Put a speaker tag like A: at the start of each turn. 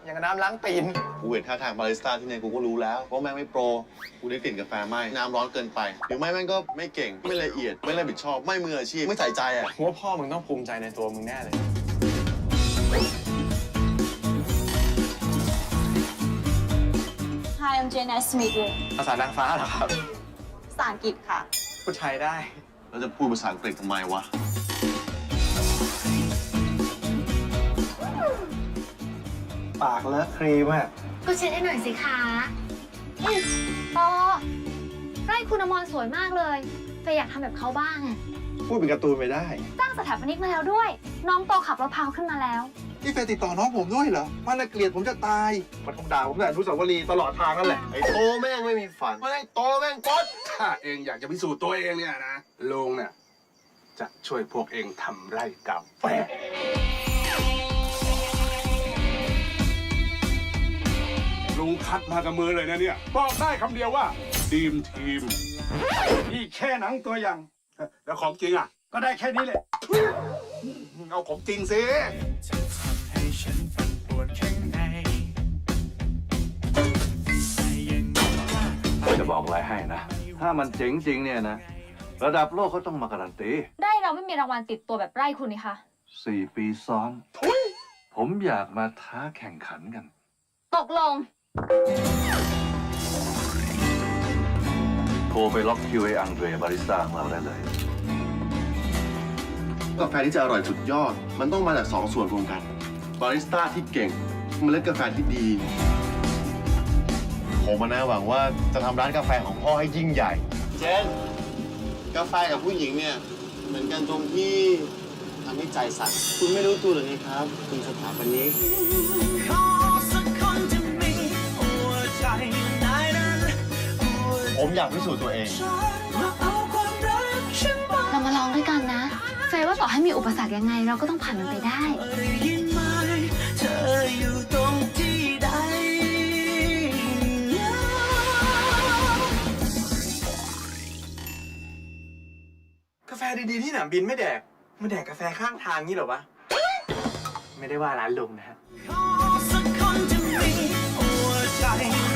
A: อย่างกับน้ำล้างตีน
B: กูเห็นท่าทางบาริสต้าที่เนี่ยกูก็รู้แล้วว่าแม่งไม่โปรกูได้กลิ่นกาแฟไหมน้ำร้อนเกินไปหรือไม่แม่งก็ไม่เก่งไม่ละเอียดไม่รับผิดชอบไม่มืออาชีพไม่ใส่ใจอ่ะ
A: ว่าพ่อมึงต้องภูมิใจในตัวมึงแน่เลย
C: Hi I'm Jane nice to meet you
A: ภาษานางฟ้าเหรอครับ
C: ภาษาอังกฤษค่ะ
A: พูดไทยได้
B: แล้วจะพูดภาษาอังกฤษทำไมวะ
A: ปากเลอะครีมอ่ะ
D: ก็เช็ดให้หน่อยสิคะปอไร่คุณอมรสวยมากเลยเฟยอยากทำแบบเขาบ้างอะ
A: พูดเป็นการ์ตูนไปได้
D: จ้างสถาปนิกมาแล้วด้วย น้องโตขับรถพาวขึ้นมาแล้ว
A: นี่แฟนติดต่อน้องผมด้วยเหรอมันน่าเกลียดผมจะตายมันคงด่าผมแต่อนุสาวรีย์ตลอดทางนั่นแหละ
B: ไอ้โตแม่งไม่มีฝันไอ้โตแม่งป๊ด
E: ถ้าเองอยากจะพิสูจน์ตัวเองเนี่ยนะลุงเนี่ยจะช่วยพวกเองทำไร่กาแฟลุงคัดมากับมือเลยนะเนี่ยบอกได้คำเดียวว่าทีมนี่แค่หนังตัวอย่างแล้วของจริงอ่ะก็ได้แค่นี้แหละเอาของจริงสิ
F: จะบอกอะไรให้นะ ถ้ามันเจ๋งจริงเนี่ยนะ ระดับโลกเขาต้องมาการันตี
D: ไร่เราไม่มีรางวัลติดตัวแบบไร่คุณนี่คะ
F: 4 ปีซ้อน ผมอยากมาท้าแข่งขันกัน
D: ตกลง
F: โทรไปล็อกคิวไอ้อังเดรบาริสต้าของเราได้เลย
B: กาแฟที่จะอร่อยสุดยอดมันต้องมาจากสองส่วนรวมกันบาริสต้าที่เก่งเมล็ดกาแฟที่ดีผมนะหวังว่าจะทำร้านกาแฟของพ่อให้ยิ่งใหญ่เจนกาแฟกับผู้หญิงเนี่ยเหมือนกันตรงที่ทำให้ใจสั่นคุณไม่รู้ตัวหรือไงครับคุณสถาปนิกผมอยากพิสูจน์ตัวเอง
D: เรามาลองด้วยกันนะ เฟยว่าต่อให้มีอุปสรรคยังไง เราก็ต้องผ่านมันไปได้
A: กาแฟดีๆที่สนามบินไม่แดกมาแดกกาแฟข้างทางงี้เหรอวะ ไม่ได้ว่าร้านลุงนะฮะ